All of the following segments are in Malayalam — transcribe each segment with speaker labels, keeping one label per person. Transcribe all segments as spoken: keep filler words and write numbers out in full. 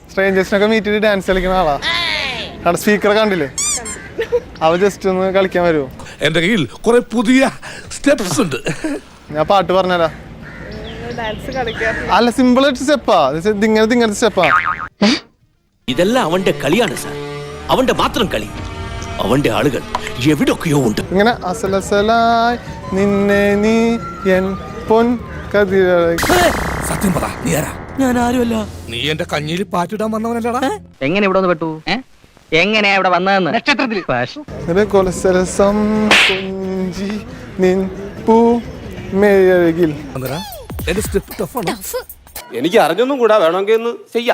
Speaker 1: സ്ട്രേഞ്ചേഴ്സിനൊക്കെ മീറ്റ് ചെയ്ത് ഡാൻസ് കളിക്കുന്ന ആളാ. അവിടെ സ്പീക്കർ കണ്ടില്ലേ? അവ ജസ്റ്റ് ഒന്ന് കളിക്കാൻ വരുമോ?
Speaker 2: എന്റെ കയ്യിൽ കുറെ പുതിയ സ്റ്റെപ്സ് ഉണ്ട്.
Speaker 1: ഞാൻ പാട്ട് പറഞ്ഞാലാ. അല്ല, സിമ്പിൾ ആയിട്ട് സ്റ്റെപ്പാ. ഇങ്ങനത്തെ ഇങ്ങനത്തെ സ്റ്റെപ്പാ.
Speaker 3: ഇതെല്ലാം അവന്റെ കളിയാണ് സാർ, അവന്റെ മാത്രം കളി. അവന്റെ ആളുകൾ എവിടൊക്കെയോ ഉണ്ട്.
Speaker 1: ഇങ്ങനെ അസലസലായി നിന്നെ നീ എൻ പൊൻ കതിരായി.
Speaker 2: സത്യം പറ, നീ ആരാ?
Speaker 3: ഞാൻ ആരുമല്ല.
Speaker 2: നീ എന്റെ കഞ്ഞിയിൽ പാറ്റിടാൻ വന്നവനല്ലടാ.
Speaker 4: എങ്ങനെ ഇവിടെ വന്ന് പെട്ടു? എങ്ങനെയാ ഇവിടെ വന്നതെന്ന്? നക്ഷത്രത്തിൽ
Speaker 1: കൊലസരസം കൊഞ്ചി നിൻ പൂ മേഴകിൽ.
Speaker 2: എന്റെ സ്റ്റെപ്പ് ടഫാണ്.
Speaker 5: എനിക്ക് അറിഞ്ഞൊന്നും കൂടാ, വേണമെങ്കിൽ ഒന്ന് ചെയ്യാം.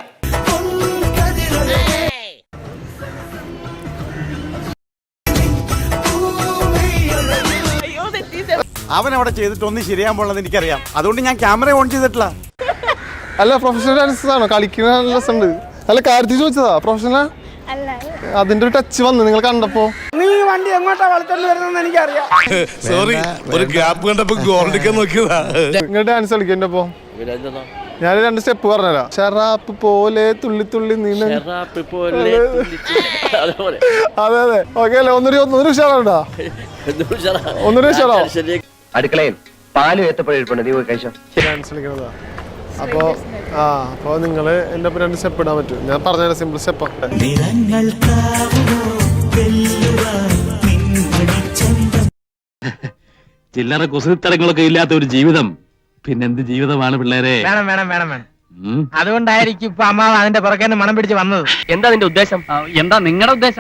Speaker 6: അവൻ അവിടെ ചെയ്തിട്ട് ഒന്നും ശരിയാൻ പോണെന്ന് എനിക്കറിയാം. അതുകൊണ്ട് ഞാൻ ക്യാമറ ഓൺ ചെയ്തിട്ടില്ല.
Speaker 1: അല്ല, പ്രൊഫഷണൽ ഡാൻസേഴ്സ് ആണോ? കളിക്കുന്ന രസമുണ്ട്. അല്ല, കാര്യത്തിൽ ചോദിച്ചതാ. പ്രൊഫഷണൽ അതിന്റെ ഒരു ടച്ച് വന്നു നിങ്ങൾ കണ്ടപ്പോ.
Speaker 6: നീ വണ്ടി എങ്ങോട്ടാ വളർത്തോണ്ട് വരുന്നെന്ന് എനിക്കറിയാം.
Speaker 2: സോറി, ഒരു ഗ്യാപ്പ് കണ്ടപ്പോ ഗോൾഡിക്കാൻ നോക്കിയതാ.
Speaker 1: നിങ്ങൾ ഡാൻസ് കളിക്കണ്ട പോ. ഞാൻ രണ്ട് സ്റ്റെപ്പ് പറഞ്ഞുതരാ. ഷറാപ്പ് പോലെ തുള്ളി തുള്ളി നീല. അതെ അതെ, ഓക്കെ അല്ലേ? ഒന്നൊരു ഒന്നൊരു ഉഷാറാണ്ടാ, ഒന്നൊരു ഉഷാറാ.
Speaker 4: അടുക്കളയിൽ പാല് ഏത്തപ്പഴം നീ പോയി കഴിച്ചോ.
Speaker 1: ഡാൻസ് കളിക്കണതാ. അപ്പോ ആ അപ്പൊ നിങ്ങള് എന്റെ ഒപ്പം രണ്ട് സ്റ്റെപ്പ് ഇടാൻ പറ്റും. ഞാൻ പറഞ്ഞ സിമ്പിൾ സ്റ്റെപ്പാ.
Speaker 7: ചില്ലറ കുസൃത്തരങ്ങളൊക്കെ ഇല്ലാത്ത ഒരു ജീവിതം പിന്നെന്ത് ജീവിതമാണ് പിള്ളേരെ?
Speaker 4: വേണം വേണം വേണം വേണം. അതുകൊണ്ടായിരിക്കും ഇപ്പൊ അമ്മാവ് അതിന്റെ പുറകെ മണം പിടിച്ച് വന്നത്. എന്താ നിന്റെ ഉദ്ദേശം? എന്താ നിങ്ങളുടെ ഉദ്ദേശം?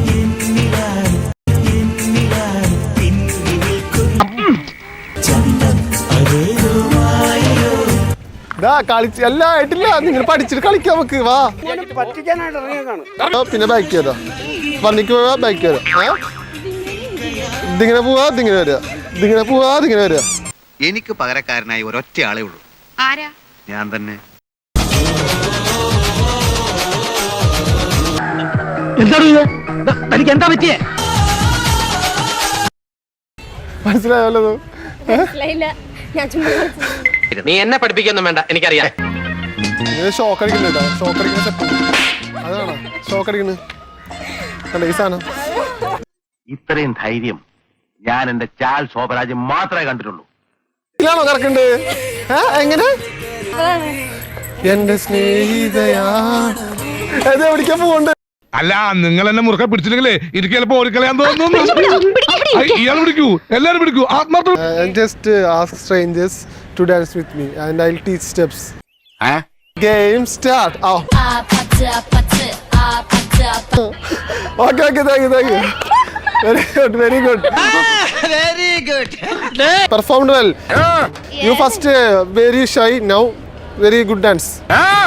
Speaker 1: കളിച്ച് എല്ലാം ആയിട്ടില്ല. നിങ്ങൾ പഠിച്ചിട്ട് കളിക്കാൻ നമുക്ക്. വാ,
Speaker 6: പറ്റിക്കാനായിട്ട് ഇറങ്ങിയതാണ്.
Speaker 1: പിന്നെ ബാക്ക് ചെയ്താ വന്നിക്ക് പോവാ, ബാക്ക് ചെയ്താ. ഇതിങ്ങനെ പോവാ, ഇതിങ്ങനെ വരിക, ഇതിങ്ങനെ പോവാ, ഇതിങ്ങനെ വരിക.
Speaker 8: എനിക്ക് പകരക്കാരനായി ഒരൊറ്റ ആളേ ഉള്ളൂ. ഞാൻ തന്നെ.
Speaker 4: തനിക്ക് എന്താ പറ്റിയേ?
Speaker 1: മനസ്സിലായല്ലോ?
Speaker 4: നീ എന്നെ പഠിപ്പിക്കൊന്നും വേണ്ട, എനിക്കറിയാം.
Speaker 1: ഷോക്ക് അടിക്കുന്നുണ്ടോ? ഷോക്ക് അടിക്കുന്ന സ്റ്റെപ്പ് അതാണോ? ഷോക്ക് അടിക്കുന്നത് അല്ല ഈ സാധനം.
Speaker 7: ഇത്രയും ധൈര്യം ഞാൻ എന്റെ ചാൽ ശോഭരാജ് മാത്രമേ കണ്ടിട്ടുള്ളൂ.
Speaker 1: ാണോ കറക്കണ്ട്? എങ്ങനെ എന്റെ സ്നേഹിതയാ എവിടേക്കാ പോകണ്ട്?
Speaker 2: അല്ല, നിങ്ങൾ എന്നെ മുറുക്കെ പിടിച്ചില്ലെങ്കിലേ എനിക്ക് ചിലപ്പോ ഓടിക്കളയാൻ തോന്നുന്നു. ഇയാൾ പിടിക്കൂ, എല്ലാരും പിടിക്കൂ. ആത്മാർത്ഥ.
Speaker 1: Just ask strangers to dance with me and I will teach steps. Game start. Okay okay, thank you thank you. Very good, very good.
Speaker 4: Very good.
Speaker 1: Performed well.
Speaker 4: Uh,
Speaker 1: you first uh, very shy, now very good dance.
Speaker 4: Uh,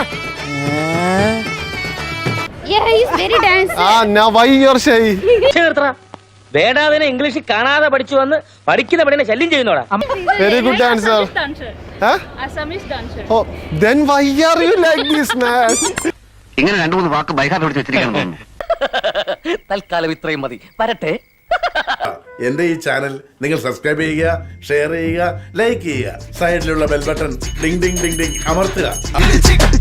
Speaker 9: yeah, he's very dance.
Speaker 1: Ah, now why you are shy?
Speaker 4: വേടാതിനെ ഇംഗ്ലീഷിൽ കാണാതെ പഠിച്ചു വന്ന് പഠിക്കുന്ന പണിനെ ശല്യം ചെയ്യുന്നോടാ.
Speaker 1: Very good dancer. Huh?
Speaker 9: Assamese dancer.
Speaker 1: Oh, then why are you like this, man?
Speaker 7: ഇങ്ങനെ രണ്ടു മൂന്ന് വാക്ക് ബൈഹാർട്ട് പഠിച്ച് വെച്ചിരിക്കണം.
Speaker 4: തൽക്കാലം ഇത്രയും മതി, വരട്ടെ.
Speaker 10: എന്റെ ഈ ചാനൽ നിങ്ങൾ സബ്സ്ക്രൈബ് ചെയ്യുക, ഷെയർ ചെയ്യുക, ലൈക്ക് ചെയ്യുക. സൈഡിലുള്ള bell button ding ding ding ding അമർത്തുക.